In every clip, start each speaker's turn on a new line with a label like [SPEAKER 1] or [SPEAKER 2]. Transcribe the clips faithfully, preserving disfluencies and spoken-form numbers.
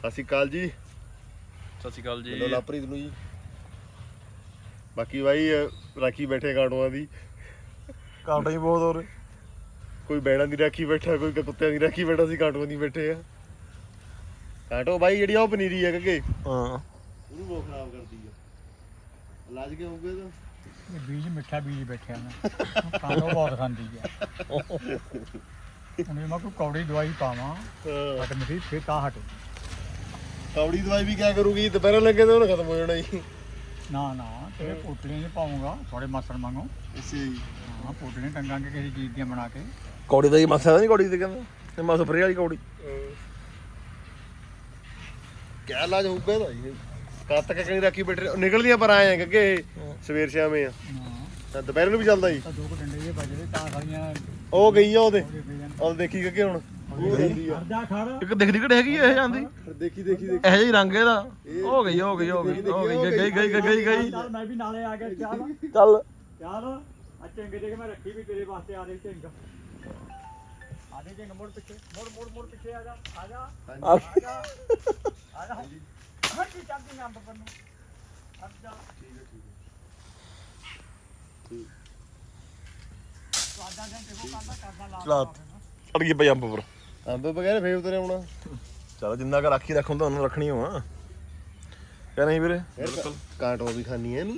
[SPEAKER 1] ਸਤਿ ਸ਼੍ਰੀ ਅਕਾਲ ਜੀ।
[SPEAKER 2] ਸਤਿ ਸ਼੍ਰੀ ਅਕਾਲ ਜੀ।
[SPEAKER 1] ਲਾਪਰੀਤ ਨੂੰ ਜੀ। ਬਾਕੀ ਬਾਈ ਰਾਖੀ ਬੈਠੇ ਕਾਟੋਆਂ ਦੀ,
[SPEAKER 2] ਕਾਟੋ ਹੀ ਬਹੁਤ ਹੋਰ,
[SPEAKER 1] ਕੋਈ ਬੈੜਾਂ ਦੀ ਰਾਖੀ ਬੈਠਾ, ਕੋਈ ਕੁੱਤਿਆਂ ਦੀ ਰਾਖੀ ਬੈਠਾ, ਸੀ ਕਾਟੋਆਂ ਦੀ ਬੈਠੇ ਆ। ਕਾਟੋ ਬਾਈ ਜਿਹੜੀ ਆ ਉਹ ਪਨੀਰੀ ਆ ਕਿ
[SPEAKER 2] ਹਾਂ
[SPEAKER 1] ਉਹਨੂੰ ਬਹੁਤ ਖਰਾਬ ਕਰਦੀ ਆ। ਇਲਾਜ ਕੀ ਹੋਊਗਾ ਇਹਦਾ?
[SPEAKER 3] ਬੀਜ ਮਿੱਠਾ ਬੀਜ ਬੈਠਿਆ ਮੈਂ ਕਾਟੋ ਬਹੁਤ ਖਾਂਦੀ ਆ। ਹੁਣ ਮੈਂ ਕੋਈ ਕੌੜੀ ਦਵਾਈ ਪਾਵਾਂ ਹਟ ਮਿੱਠੀ ਫੇਰ ਤਾਂ ਹਟ।
[SPEAKER 1] ਕੌੜੀ ਦਵਾਈ ਵੀ ਕਿਆ ਕਰੂਗੀ? ਦੁਪਹਿਰਾਂ ਲੱਗੇ ਤਾਂ ਉਹਨੇ ਖਤਮ ਹੋ ਜਾਣਾ ਜੀ।
[SPEAKER 3] ਨਾ ਨਾ ਤੇਰੇ ਪੋਟਲੀਆਂ ਨਹੀਂ ਪਾਉਂਗਾ ਥੋੜੇ ਮਾਸੜ ਮੰਗੋ।
[SPEAKER 1] ਅੱਛਾ ਜੀ।
[SPEAKER 3] ਹਾਂ ਪੋਟਲੀਆਂ ਟੰਗਾਂਗੇ ਕਿਸੇ ਚੀਜ਼ ਦੀਆਂ ਬਣਾ ਕੇ।
[SPEAKER 2] ਕੌੜੀ ਦਾ ਹੀ ਮਸਾ ਨਹੀਂ, ਕੌੜੀ ਤੇ ਕਹਿੰਦਾ ਮਾ ਸਪਰੇ ਵਾਲੀ ਕੌੜੀ।
[SPEAKER 1] ਕਿਆ ਇਲਾਜ ਹੋਊਗਾ ਇਹਦਾ ਜੀ? ਕਦ ਤੱਕ ਕਣੀ ਰਾਖੀ ਬੈਠੇ ਨਿਕਲਦੀਆਂ ਪਰ ਆਏ ਆ ਕਿ ਸਵੇਰ ਸ਼ਾਮੇ ਆ
[SPEAKER 3] ਹਾਂ
[SPEAKER 1] ਦੁਪਹਿਰ ਨੂੰ ਵੀ ਚੱਲਦਾ ਜੀ।
[SPEAKER 3] ਤਾਂ ਦੋ ਕੁ ਡੰਡੇ ਜਿਹੇ ਵੱਜਦੇ ਤਾਂ ਸਾਰੀਆਂ
[SPEAKER 1] ਉਹ ਗਈ ਆ ਉਹਦੇ ਉਹ ਦੇਖੀ ਕਿ ਹੁਣ
[SPEAKER 3] ਖੜਦਾ ਖੜ
[SPEAKER 2] ਇੱਕ ਦਿਖਦੀ ਘਟ ਹੈਗੀ ਇਹ ਜਾਂਦੀ,
[SPEAKER 1] ਦੇਖੀ ਦੇਖੀ ਦੇਖੀ
[SPEAKER 2] ਇਹੋ ਜਿਹੀ ਰੰਗ ਇਹਦਾ। ਹੋ ਗਈ ਹੋ ਗਈ ਹੋ ਗਈ ਹੋ ਗਈ ਗਈ ਗਈ ਗਈ ਗਈ ਗਈ
[SPEAKER 3] ਚੱਲ ਮੈਂ ਵੀ ਨਾਲੇ ਆ ਗਿਆ। ਚੱਲ
[SPEAKER 2] ਚੱਲ
[SPEAKER 3] ਚੱਲ ਆ ਚੰਗੇ ਜੇ ਮੈਂ ਰੱਖੀ ਵੀ ਤੇਰੇ ਵਾਸਤੇ ਆ ਰਹੀ ਚੰਗ। ਆ ਦੇ ਚੰਗ ਮੋੜ ਪਿੱਛੇ ਮੋੜ ਮੋੜ ਮੋੜ ਪਿੱਛੇ ਆ ਜਾ ਆ ਜਾ ਆ ਜਾ ਆ ਜਾ ਹਟ ਕੀ ਚੱਲਦੀ ਅੰਬ ਪਰ ਨੂੰ ਹਟ ਜਾ। ਠੀਕ ਹੈ ਠੀਕ ਹੈ ਠੀਕ ਸਵਾਦਾਂ ਦੇ ਦੇਖੋ ਕਰਦਾ ਕਰਦਾ ਲਾ
[SPEAKER 2] ਚਲਾ ਅੜ ਗਈ ਪਈ ਅੰਬ ਪਰ।
[SPEAKER 1] ਅੰਬ ਬਗੈਰ ਫੇਰ ਉਤਰੇ ਆਉਣਾ।
[SPEAKER 2] ਚਲ ਜਿੰਨਾ ਕ ਰਾਖੀ ਰੱਖ ਹੁੰਦਾ ਉਹਨਾਂ ਰੱਖਣੀ ਹੋਆ ਕਹਿ ਨਹੀਂ ਵੀਰੇ।
[SPEAKER 1] ਕਾਟੋ ਵੀ ਖਾਣੀ ਐ ਇਹਨੂੰ।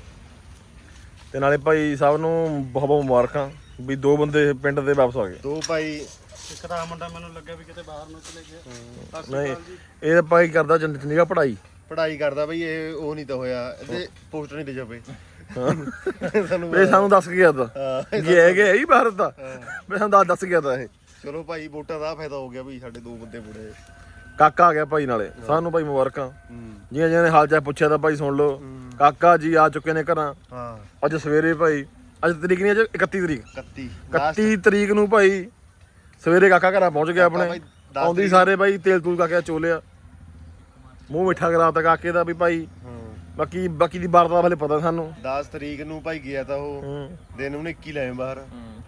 [SPEAKER 2] ਤੇ ਨਾਲੇ ਭਾਈ ਸਾਹਿਬ ਨੂੰ ਬਹੁਤ ਬਹੁਤ ਮੁਬਾਰਕਾਂ ਵੀ ਦੋ ਬੰਦੇ ਪਿੰਡ ਦੇ ਵਾਪਸ ਆ ਗਏ।
[SPEAKER 1] ਦੋ ਭਾਈ
[SPEAKER 3] ਇੱਕ ਤਾਂ ਮੁੰਡਾ ਮੈਨੂੰ ਲੱਗਿਆ ਵੀ ਕਿਤੇ ਬਾਹਰ ਨੂੰ ਚਲੇ ਗਿਆ।
[SPEAKER 2] ਨਹੀਂ ਇਹ ਤਾਂ ਭਾਈ ਕਰਦਾ ਚੰਡੀਗੜ੍ਹ ਪੜ੍ਹਾਈ
[SPEAKER 1] ਪੜ੍ਹਾਈ ਕਰਦਾ ਬਈ। ਇਹ ਉਹ ਨਹੀਂ ਤਾਂ ਹੋਇਆ ਇਹਦੇ ਪੋਸਟਰ ਨਹੀਂ ਤੇ ਛਪੇ ਸਾਨੂੰ।
[SPEAKER 2] ਇਹ ਸਾਨੂੰ ਦੱਸ ਗਿਆ ਤਾਂ
[SPEAKER 1] ਹਾਂ
[SPEAKER 2] ਇਹ ਹੈਗੇ ਹੀ ਭਾਰਤ ਦਾ। ਮੈਂ ਸਾਨੂੰ ਦੱਸ ਦੱਸ ਗਿਆ ਤਾਂ ਇਹ
[SPEAKER 1] ਚਲੋ ਭਾਈ ਵੋਟਾਂ ਦਾ ਫਾਇਦਾ ਹੋ ਗਿਆ ਵੀ ਸਾਡੇ ਦੋ ਬੰਦੇ ਬੁੜੇ।
[SPEAKER 2] ਕਾਕਾ ਆ ਗਿਆ ਭਾਈ ਨਾਲੇ ਸਾਨੂੰ ਭਾਈ ਮੁਬਾਰਕਾਂ।
[SPEAKER 1] ਹੂੰ
[SPEAKER 2] ਜਿਹਨੇ ਜਿਹਨੇ ਹਾਲ ਚਾਲ ਪੁੱਛਿਆ ਤਾਂ ਭਾਈ ਸੁਣ ਲਓ। ਕਾਕਾ ਜੀ ਆ ਚੁੱਕੇ ਨੇ ਘਰਾਂ।
[SPEAKER 1] ਹਾਂ
[SPEAKER 2] ਅੱਜ ਸਵੇਰੇ ਭਾਈ ਅੱਜ ਤਰੀਕ ਨਹੀਂ ਅੱਜ ਇਕੱਤੀ ਤਰੀਕ
[SPEAKER 1] ਇਕੱਤੀ
[SPEAKER 2] ਇਕੱਤੀ ਤਰੀਕ ਨੂੰ ਭਾਈ ਸਵੇਰੇ ਕਾਕਾ ਘਰਾਂ ਪਹੁੰਚ ਗਿਆ ਆਪਣੇ। ਆਉਂਦੀ ਸਾਰੇ ਭਾਈ ਤੇਲ ਤੂਲ ਕਾਕੇ ਚੋਲਿਆ ਮੂੰਹ ਮਿੱਠਾ ਕਰਾਤਾ ਕਾਕੇ ਦਾ ਵੀ ਭਾਈ। ਬਾਕੀ ਬਾਕੀ ਦੀ ਵਾਰਤਾ ਵਾਲੇ ਪਤਾ ਸਾਨੂੰ।
[SPEAKER 1] ਦਸ ਤਰੀਕ ਨੂੰ ਭਾਈ ਗਿਆ ਤਾਂ ਉਹ ਦਿਨ ਉਹਨੇ ਇੱਕੀ ਲਾਏ ਬਾਹਰ।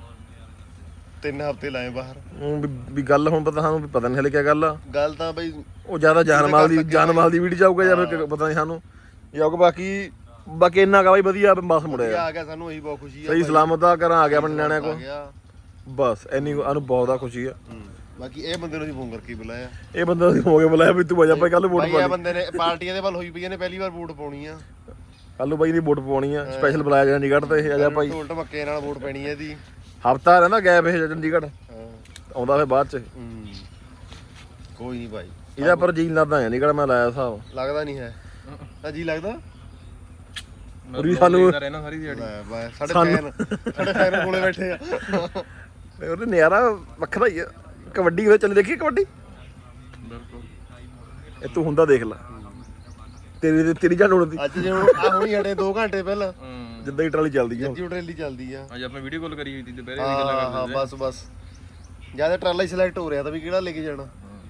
[SPEAKER 1] ਤਿੰਨ ਹਫ਼ਤੇ ਲਾਏ ਬਾਹਰ।
[SPEAKER 2] ਊਂ ਵੀ- ਵੀ ਗੱਲ ਹੁਣ ਪਤਾ ਸਾਨੂੰ ਵੀ ਪਤਾ ਨਹੀਂ ਹਲੇ ਕੀ ਗੱਲ ਆ।
[SPEAKER 1] ਗੱਲ ਤਾਂ ਬਈ
[SPEAKER 2] ਉਹ ਜ਼ਿਆਦਾ ਜਾਨਮਾਲ ਦੀ ਜਾਨਮਾਲ ਦੀ ਵੀਡੀਓ ਜਾਊਗਾ ਜਾਂ ਫਿਰ ਪਤਾ ਨਹੀਂ ਸਾਨੂੰ ਜਾਊਗਾ। ਬਾਕੀ ਬਾਕੀ ਇੰਨਾ ਕਾ ਬਾਈ ਵਧੀਆ ਬਸ ਮੁੜਿਆ
[SPEAKER 1] ਆ ਗਿਆ ਸਾਨੂੰ ਇਹੀ ਬਹੁਤ ਖੁਸ਼ੀ ਆ।
[SPEAKER 2] ਸਹੀ ਸਲਾਮਤ ਆ ਘਰਾਂ ਆ ਗਿਆ ਆਪਣੇ ਨਿਆਣਿਆਂ ਕੋਲ।
[SPEAKER 1] ਗਿਆ
[SPEAKER 2] ਬਸ ਇੰਨੀ ਸਾਨੂੰ ਬਹੁਤ ਆ ਖੁਸ਼ੀ ਆ।
[SPEAKER 1] ਬਾਕੀ ਇਹ ਬੰਦੇ ਨੂੰ ਅਸੀਂ ਫੋਨ ਕਰਕੇ ਬੁਲਾਇਆ।
[SPEAKER 2] ਇਹ ਬੰਦਾ ਅਸੀਂ ਹੋ ਕੇ ਬੁਲਾਇਆ ਵੀ ਤੂੰ ਆ ਜਾ ਭਾਈ ਕੱਲ ਵੋਟ
[SPEAKER 1] ਭਾਈ
[SPEAKER 2] ਪਾ
[SPEAKER 1] ਇਹ ਬੰਦੇ ਨੇ ਪਾਰਟੀਆਂ ਦੇ ਵੱਲ ਹੋਈ ਪਈਆਂ ਨੇ ਪਹਿਲੀ ਵਾਰ ਵੋਟ ਪਾਉਣੀ ਆ।
[SPEAKER 2] ਕੱਲ ਨੂੰ ਬਾਈ ਦੀ ਵੋਟ ਪਵਾਉਣੀ ਆ। ਸਪੈਸ਼ਲ ਬੁਲਾਇਆ ਗਿਆ ਚੰਡੀਗੜ੍ਹ ਤੇ ਇਹ ਆ ਜਾ ਭਾਈ।
[SPEAKER 1] ਢੋਲ ਢਮੱਕੇ ਨਾਲ ਵੋਟ ਪੈਣੀ ਹੈ ਇਹਦੀ।
[SPEAKER 2] ਹਫਤਾ ਰਹਿੰਦਾ ਗੈਪ ਇਹ ਚੰਡੀਗੜ੍ਹ
[SPEAKER 1] ਹਾਂ
[SPEAKER 2] ਆਉਂਦਾ ਫਿਰ ਬਾਅਦ ਚ।
[SPEAKER 1] ਹੂੰ ਕੋਈ ਨਹੀਂ ਭਾਈ
[SPEAKER 2] ਇਹਦਾ ਪਰ ਜੀ ਲੱਗਦਾ ਚੰਡੀਗੜ੍ਹ ਮੈਂ ਲਾਇਆ ਹਿਸਾਬ।
[SPEAKER 1] ਲੱਗਦਾ ਨਹੀਂ ਹੈ ਤਾਂ ਜੀ ਲੱਗਦਾ
[SPEAKER 2] ਪੂਰੀ ਸਾਨੂੰ
[SPEAKER 1] ਰਹਿਣਾ ਸਾਰੀ ਦਿਹਾੜੀ। ਸਾਡੇ ਫੈਨ ਸਾਡੇ ਫੈਨ ਕੋਲੇ ਬੈਠੇ ਆ।
[SPEAKER 2] ਉਹਦੇ ਨਿਆਰਾ ਵੱਖਰਾ ਹੀ ਆ। ਕਬੱਡੀ ਹੋਏ ਚੱਲ ਦੇਖੀ ਕਬੱਡੀ
[SPEAKER 1] ਬਿਲਕੁਲ
[SPEAKER 2] ਇਹ ਤੂੰ ਹੁੰਦਾ ਦੇਖ ਲੈ ਤੇਰੀ ਤੇਰੀ ਜਾਨ ਉੜਦੀ
[SPEAKER 1] ਅੱਜ ਜਿਵੇਂ ਆ ਹੁਣੀ ਹਟੇ ਦੋ ਘੰਟੇ ਪਹਿਲਾਂ
[SPEAKER 2] ਜਿੱਦਾਂ ਹੀ ਟਰਾਲੀ ਚੱਲਦੀ ਆ।
[SPEAKER 1] ਜੱਜੀ ਟਰੇਲੀ ਚੱਲਦੀ ਆ।
[SPEAKER 4] ਅੱਜ ਆਪਾਂ ਵੀਡੀਓ ਕਾਲ ਕਰੀ ਹੋਈ ਸੀ ਦੁਪਹਿਰੇ
[SPEAKER 1] ਹਾਂ
[SPEAKER 4] ਦੀ ਗੱਲਾਂ
[SPEAKER 1] ਹਾਂ
[SPEAKER 4] ਕਰਦੇ
[SPEAKER 1] ਬਸ ਬਸ ਜਿਆਦਾ ਟਰਾਲਾ ਹੀ ਸਿਲੈਕਟ ਹੋ ਰਿਹਾ ਤਾਂ ਵੀ ਕਿਹੜਾ ਲੈ ਕੇ ਜਾਣਾ।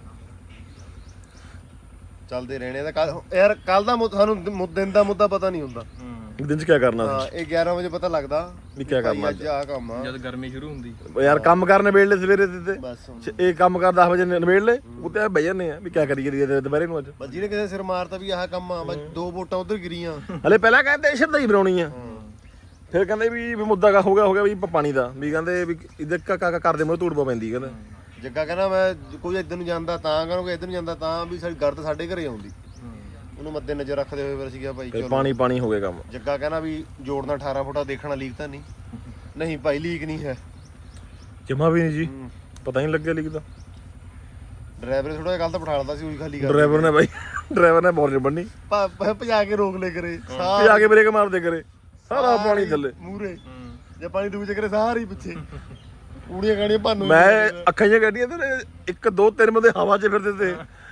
[SPEAKER 1] ਚੱਲਦੇ ਰਹਿਣੇ ਦਾ ਕੱਲ ਯਾਰ ਕੱਲ ਦਾ ਮੁੱਦਾ ਸਾਨੂੰ ਮੁੱਦ- ਦਿਨ ਦਾ ਮੁੱਦਾ ਪਤਾ ਨਹੀਂ ਹੁੰਦਾ।
[SPEAKER 2] ਇੱਕ ਦਿਨ ਚ ਕੀ ਕਰਨਾ
[SPEAKER 1] ਹਾਂ ਇਹ ਗਿਆਰਾਂ ਵਜੇ ਪਤਾ ਲੱਗਦਾ
[SPEAKER 2] ਵੀ ਕੀ ਕਰਨਾ
[SPEAKER 1] ਅੱਜ ਆ ਕੰਮ ਆ।
[SPEAKER 4] ਜਦ ਗਰਮੀ ਸ਼ੁਰੂ ਹੁੰਦੀ
[SPEAKER 2] ਯਾਰ ਕੰਮ ਕਰਨ ਨਵੇੜ ਲੈ ਸਵੇਰੇ ਤੇ
[SPEAKER 1] ਬਸ
[SPEAKER 2] ਇਹ ਕੰਮ ਕਰ ਦਸ ਵਜੇ ਨਵੇੜ ਲੈ ਉੱਤੇ ਬਹਿ ਜਾਂਦੇ ਆ ਵੀ ਕੀ ਕਰੀਏ ਕਰੀਏ ਦੁਪਹਿਰੇ ਨੂੰ ਅੱਜ।
[SPEAKER 1] ਬਸ ਜਿਹਨੇ ਕਿਸੇ ਸਿਰ ਮਾਰਤਾ ਵੀ ਆਹ ਕੰਮ ਆ ਬਸ ਦੋ ਵੋਟਾਂ ਉਧਰ ਗਿਰੀਆਂ।
[SPEAKER 2] ਹਲੇ ਪਹਿਲਾਂ ਕਹਿੰਦੇ ਸ਼ਰਦਾਈ ਬਣਾਉਣੀ ਆ ਫਿਰ ਕਹਿੰਦੇ ਵੀ ਵੀ ਮੁੱਦਾ ਕਾ ਹੋ ਗਿਆ ਹੋ ਗਿਆ ਵੀ ਪਾਣੀ ਦਾ ਵੀ ਕਹਿੰਦੇ ਵੀ ਇੱਧਰ ਕਾ ਕਰਦੇ ਮੋਹ ਧੂੜ ਪਾ ਪੈਂਦੀ ਕਹਿੰਦਾ।
[SPEAKER 1] ਜੱਗਾ ਕਹਿੰਦਾ ਮੈਂ ਕੋਈ ਇੱਧਰ ਨੂੰ ਜਾਂਦਾ ਤਾਂ ਕਹਿੰਦਾ ਕੋਈ ਇੱਧਰ ਨੂੰ ਜਾਂਦਾ ਤਾਂ ਵੀ ਸਾਡੀ ਗਰਦ ਸਾਡੇ ਘਰੇ ਆਉਂਦੀ। ਉਹਨੂੰ ਮੱਦੇ ਨਜ਼ਰ ਰੱਖਦੇ ਹੋਏ ਫਿਰ ਸੀਗਾ ਭਾਈ ਚਲੋ
[SPEAKER 2] ਪਾਣੀ ਪਾਣੀ ਹੋ ਗਿਆ ਕੰਮ।
[SPEAKER 1] ਜੱਗਾ ਕਹਿੰਦਾ ਵੀ ਜੋੜਨਾ ਅਠਾਰਾਂ ਫੁੱਟਾ ਦੇਖਣਾ ਲੀਕ ਤਾਂ ਨਹੀਂ। ਨਹੀਂ ਭਾਈ ਲੀਕ ਨਹੀਂ ਹੈ
[SPEAKER 2] ਜਮਾ ਵੀ ਨਹੀਂ ਜੀ ਪਤਾ ਨਹੀਂ ਲੱਗਿਆ ਲਿਖਦਾ।
[SPEAKER 1] ਡਰਾਈਵਰ ਥੋੜਾ ਜਿਹਾ ਗਲਤ ਬਿਠਾ ਲਦਾ ਸੀ ਉਹੀ ਖਾਲੀ ਕਰ
[SPEAKER 2] ਡਰਾਈਵਰ ਨੇ ਬਾਈ ਡਰਾਈਵਰ ਨੇ ਬੋਰਡ ਬੰਨੀ
[SPEAKER 1] ਭਜਾ ਕੇ ਰੋਕ ਲੈ ਕਰੇ
[SPEAKER 2] ਤੇ ਆ ਕੇ ਬ੍ਰੇਕ ਮਾਰਦੇ ਕਰੇ ਸਾਰਾ ਪਾਣੀ ਥੱਲੇ
[SPEAKER 1] ਮੂਰੇ ਜੇ ਪਾਣੀ ਦੂਜੇ ਕਰੇ ਸਾਰੀ ਪਿੱਛੇ ਕੂੜੀਆਂ ਗਾਣੀਆਂ ਭਾਨੂੰ।
[SPEAKER 2] ਮੈਂ ਅੱਖਾਂ ਜਿਹੀਆਂ ਕੱਢੀਆਂ ਤੇ ਇੱਕ ਦੋ ਤਿੰਨ ਬੰਦੇ ਹਵਾ 'ਚ ਫਿਰਦੇ ਤੇ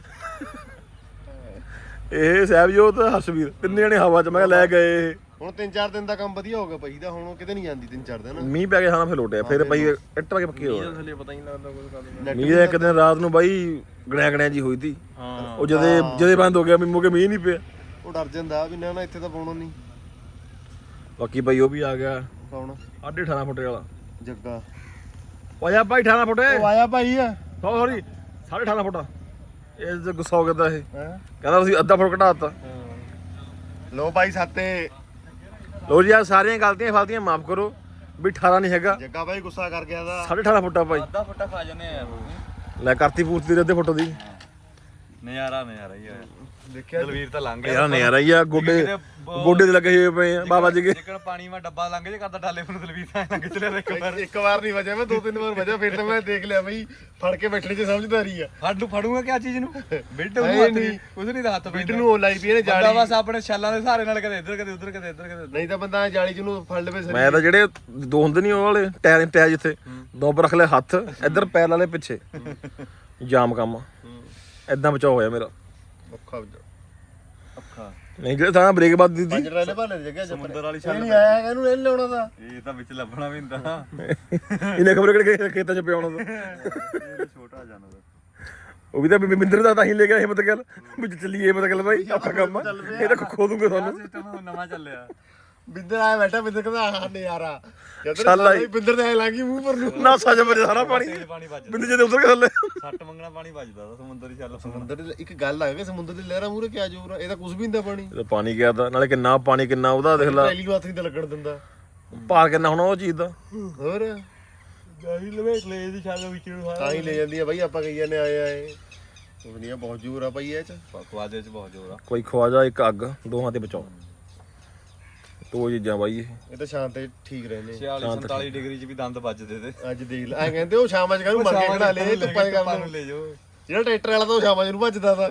[SPEAKER 2] ਇਹ ਸਹਿਬਜੋਤ ਹਰਸ਼ਵੀਰ ਤਿੰਨੇ ਜਣੇ ਹਵਾ 'ਚ ਮੈਂ ਕਿਹਾ ਲੈ ਗਏ।
[SPEAKER 1] ਹੁਣ ਤਿੰਨ ਚਾਰ ਦਿਨ ਦਾ ਕੰਮ ਵਧੀਆ ਹੋ ਗਿਆ ਭਾਈ ਦਾ। ਹੁਣ ਕਿਤੇ ਨਹੀਂ ਜਾਂਦੀ ਤਿੰਨ ਚਾਰ ਦਿਨ।
[SPEAKER 2] ਮੀਂਹ ਪੈ ਗਿਆ ਹਾਂ ਫਿਰ ਲੋਟਿਆ ਫਿਰ ਭਾਈ ਇੱਟ ਪਾ ਕੇ ਪੱਕੀ ਹੋ
[SPEAKER 4] ਥੱਲੇ ਪਤਾ ਹੀ ਨਹੀਂ ਲੱਗਦਾ ਕੁਝ ਕਰਦੇ।
[SPEAKER 2] ਮੀਂਹ ਇੱਕ ਦਿਨ ਰਾਤ ਨੂੰ ਬਾਈ ਗੜਿਆ ਗੜਿਆ ਜੀ ਹੋਈ ਤੀ।
[SPEAKER 4] ਹਾਂ
[SPEAKER 2] ਉਹ ਜਦੇ ਜਦੇ ਬੰਦ ਹੋ ਗਿਆ ਮੀਂਹ ਕੇ ਮੀਂਹ ਨਹੀਂ ਪਿਆ।
[SPEAKER 1] ਉਹ ਡਰ ਜਾਂਦਾ ਵੀ ਨਾ ਨਾ ਇੱਥੇ ਤਾਂ ਪਾਉਣਾ ਨਹੀਂ।
[SPEAKER 2] ਬਾਕੀ ਬਾਈ ਉਹ ਵੀ ਆ ਗਿਆ
[SPEAKER 1] ਕੌਣ?
[SPEAKER 2] ਸਾਢੇ ਅਠਾਰਾਂ ਫੁੱਟੇ ਵਾਲਾ
[SPEAKER 1] ਜੱਗਾ
[SPEAKER 2] ਆਇਆ ਭਾਈ ਅਠਾਰਾਂ ਫੁੱਟੇ
[SPEAKER 1] ਉਹ ਆਇਆ ਭਾਈ ਆ
[SPEAKER 2] ਸੌਰੀ ਸਾਢੇ ਅਠਾਰਾਂ ਫੁੱਟਾ ਇਹ ਤੇ ਗੁੱਸਾ ਹੋ ਗਿਆ ਇਹ
[SPEAKER 1] ਹਾਂ
[SPEAKER 2] ਕਹਿੰਦਾ ਤੁਸੀਂ ਅੱਧਾ ਫੁੱਟ ਘਟਾਤਾ
[SPEAKER 1] ਲੋ ਭਾਈ ਸਾਤੇ
[SPEAKER 2] ਲੋ ਜੀ ਆ ਸਾਰੀਆਂ ਗਲਤੀਆਂ ਫਲਤੀਆਂ ਮਾਫ ਕਰੋ ਵੀ ਅਠਾਰਾਂ ਨਹੀਂ ਹੈਗਾ
[SPEAKER 1] ਜੱਗਾ ਭਾਈ ਗੁੱਸਾ ਕਰ ਗਿਆ ਦਾ
[SPEAKER 2] ਸਾਢੇ ਅਠਾਰਾਂ ਫੁੱਟਾ ਭਾਈ
[SPEAKER 3] ਅੱਧਾ ਫੁੱਟਾ ਖਾ ਜਾਂਦੇ ਆ ਯਾਰ
[SPEAKER 2] ਲੈ ਕਰਤੀ ਪੂਰਤੀ ਦੇ ਅੱਧੇ ਫੁੱਟ ਦੀ
[SPEAKER 3] ਨਜ਼ਾਰਾ ਨਜ਼ਾਰਾ ਹੀ ਆ
[SPEAKER 1] ਦੇਖਿਆ
[SPEAKER 3] ਦਲਵੀਰ ਤਾਂ ਲੰਘ ਗਿਆ
[SPEAKER 2] ਯਾਰ ਨਜ਼ਾਰਾ ਹੀ ਆ ਗੋਡੇ ਗੋਡੇ ਤੇ ਲੱਗੇ ਹੋਏ ਪਏ ਆ ਬਾਬਾ ਜੀ ਕੇ
[SPEAKER 3] ਜਿੱਕਣ ਪਾਣੀ ਮੈਂ ਡੱਬਾ ਲੰਘ ਜੇ ਕਰਦਾ ਡਾਲੇ ਨੂੰ ਦਲਵੀਰ ਤਾਂ ਲੰਘ ਚਲਿਆ ਇੱਕ ਵਾਰ
[SPEAKER 1] ਇੱਕ ਵਾਰ ਨਹੀਂ ਵਜਿਆ ਮੈਂ ਦੋ ਤਿੰਨ ਵਾਰ ਵਜਿਆ ਫਿਰ ਤਾਂ ਮੈਂ ਦੇਖ ਲਿਆ ਬਈ ਫੜ ਕੇ ਬੈਠਣੇ ਚ ਸਮਝਦਾਰੀ ਆ
[SPEAKER 3] ਫੜੂ ਫੜੂਗਾ ਕਿਆ ਚੀਜ਼ ਨੂੰ ਬਿੱਡ
[SPEAKER 1] ਹਾਏ
[SPEAKER 3] ਨੂੰ ਹੱਥ
[SPEAKER 1] ਨਹੀਂ।
[SPEAKER 3] ਨਹੀਂ ਕੁਝ ਨਹੀਂ ਹੱਥ
[SPEAKER 1] ਬਿੱਡ ਨੂੰ ਉਹ ਲਾਈ ਪਈ ਇਹਨੇ
[SPEAKER 3] ਬੰਦਾ
[SPEAKER 1] ਜਾਲੀ
[SPEAKER 3] ਬਸ ਆਪਣੇ ਛਾਲਾਂ ਦੇ ਸਹਾਰੇ ਨਾਲ ਕਦੇ ਇੱਧਰ ਕਦੇ ਉੱਧਰ ਕਦੇ ਇੱਧਰ ਕਦੇ ਉੱਧਰ।
[SPEAKER 1] ਨਹੀਂ ਤਾਂ ਬੰਦਾ ਜਾਲੀ ਚ ਨੂੰ ਫੜ ਲਵੇ
[SPEAKER 2] ਮੈਂ ਤਾਂ ਜਿਹੜੇ ਦੋ ਹੁੰਦੇ ਨਹੀਂ ਉਹ ਵਾਲੇ ਟਾਇਰ ਟਾਇਰ ਜਿੱਥੇ ਦੋ ਪਰ ਰੱਖ ਲੈ ਹੱਥ ਇੱਧਰ ਪੈਰ ਵਾਲੇ ਪਿੱਛੇ ਜਾਮ ਕੰਮ ਐਦਾਂ ਬਚਾਅ ਹੋਇਆ ਮੇਰਾ
[SPEAKER 1] ਔਖਾ ਵਜਾ
[SPEAKER 3] ਅੱਖਾਂ
[SPEAKER 2] ਨਹੀਂ ਜਿਹੜੇ ਥਾਂ ਬ੍ਰੇਕ ਵੱਧ ਦਿੱਤੀ
[SPEAKER 1] ਪੰਜ ਰਲੇ ਭਾਲੇ ਦੀ ਜਗ੍ਹਾ
[SPEAKER 3] ਸਮੁੰਦਰ ਵਾਲੀ
[SPEAKER 1] ਇਹ ਨਹੀਂ ਆਇਆ ਹੈਗਾ, ਇਹਨੂੰ ਇਹ ਲਾਉਣਾ ਦਾ
[SPEAKER 3] ਇਹ ਤਾਂ ਵਿੱਚ ਲੱਭਣਾ ਵੀ ਹੁੰਦਾ
[SPEAKER 2] ਇਹਨੇ ਖਬਰ ਕਿਹੜੇ ਖੇਤਾਂ ਚ ਪਿਆਉਣਾ ਦਾ
[SPEAKER 3] ਇਹ ਛੋਟਾ ਜਾਨਵਰ
[SPEAKER 2] ਉਹ ਵੀ ਤਾਂ ਬਿੰਦਰ ਦਾ ਤਾਂ ਹੀ ਲੈ ਗਿਆ ਹਿੰਮਤ ਗੱਲ ਵੀ ਚੱਲੀਏ ਹਿੰਮਤ ਗੱਲ ਬਾਈ ਆਪਣਾ ਕੰਮ ਆ। ਇਹ ਤਾਂ ਖੋ ਦੂੰਗੇ ਤੁਹਾਨੂੰ
[SPEAKER 3] ਸਿਸਟਮ ਨਵਾਂ ਚੱਲਿਆ
[SPEAKER 1] ਬਿੰਦਰ ਆਇਆ ਬੈਠਾ ਬਿੰਦਰ ਕਹਿੰਦਾ ਆਹ ਨਜ਼ਾਰਾ
[SPEAKER 2] ਛਾਲਾ ਹੀ।
[SPEAKER 1] ਜਦੋਂ ਬਿੰਦਰ ਦੇ ਐ ਲਾਂਗੀ ਮੂੰਹ ਪਰ ਨੂੰ
[SPEAKER 2] ਨਾ ਸੱਜ ਮਰੇ ਸਾਰਾ ਪਾਣੀ
[SPEAKER 3] ਤੇਜ਼ ਪਾਣੀ ਵੱਜਦਾ
[SPEAKER 2] ਬਿੰਦਰ ਜੇ ਉੱਤਰ ਕੇ ਥੱਲੇ
[SPEAKER 3] ਸੱਟ ਮੰਗਣਾ ਪਾਣੀ ਵੱਜਦਾ ਤਾਂ ਸਮੁੰਦਰ ਦੀ ਛਾਲ
[SPEAKER 1] ਸਮੁੰਦਰ ਦੀ ਇੱਕ ਗੱਲ ਆ ਕਿ ਸਮੁੰਦਰ ਦੀ ਲਹਿਰਾਂ ਮੂਰੇ ਕਿਆ ਜ਼ੋਰ ਆ, ਇਹ ਤਾਂ ਕੁਝ ਵੀ ਨਹੀਂ ਦਾ ਪਾਣੀ
[SPEAKER 2] ਜਦੋਂ ਪਾਣੀ ਗਿਆ ਤਾਂ ਨਾਲੇ ਕਿੰਨਾ ਪਾਣੀ ਕਿੰਨਾ ਉਹਦਾ ਦੇਖ ਲਾ
[SPEAKER 1] ਪਹਿਲੀ ਨੂੰ ਹੱਥ ਨਹੀਂ ਤਾਂ ਲੱਗਣ ਦਿੰਦਾ
[SPEAKER 2] ਭਾਰ ਕਿੰਨਾ ਹੋਣਾ ਉਹ ਚੀਜ਼ ਦਾ
[SPEAKER 1] ਹੋਰ
[SPEAKER 3] ਗਾਈ ਲਵੇਟ ਲੈ ਦੀ ਛਾਲ ਵਿੱਚ ਨੂੰ
[SPEAKER 1] ਤਾਂ ਹੀ ਲੈ ਜਾਂਦੀ ਆ ਬਾਈ ਆਪਾਂ ਕਹੀ ਜਾਂਦੇ ਆਏ ਆਏ ਦੁਨੀਆ ਬਹੁਤ ਜ਼ੋਰ ਆ ਭਾਈ ਇਹ ਚ
[SPEAKER 3] ਖਵਾਜੇ ਚ ਬਹੁਤ ਜ਼ੋਰ ਆ
[SPEAKER 2] ਕੋਈ ਖਵਾਜਾ ਇੱਕ ਅੱਗ ਦੋਹਾਂ ਤੇ ਬਚਾਓ ਦੋ ਚੀਜ਼ਾਂ ਬਾਈ ਇਹ
[SPEAKER 1] ਇਹ ਤਾਂ ਸ਼ਾਂਤ ਤੇ ਠੀਕ ਰਹਿੰਦੇ
[SPEAKER 3] ਛਿਆਲੀ ਸੰਤਾਲੀ ਡਿਗਰੀ ਚ ਵੀ ਦੰਦ ਵੱਜਦੇ ਤੇ
[SPEAKER 1] ਅੱਜ ਦੇਖ ਲੈ ਐ ਕਹਿੰਦੇ ਉਹ ਸ਼ਾਮਾਂ ਚ ਕਰੂ ਮਰ ਕੇ ਖੜਾ ਲੈ ਧੁੱਪਾਂ ਚ ਕਰ
[SPEAKER 3] ਨੂੰ ਲੈ ਜਾਓ
[SPEAKER 1] ਜਿਹੜਾ ਟਰੈਕਟਰ ਵਾਲਾ ਤਾਂ ਉਹ ਸ਼ਾਮਾਂ ਚ ਨੂੰ ਭੱਜਦਾ ਤਾ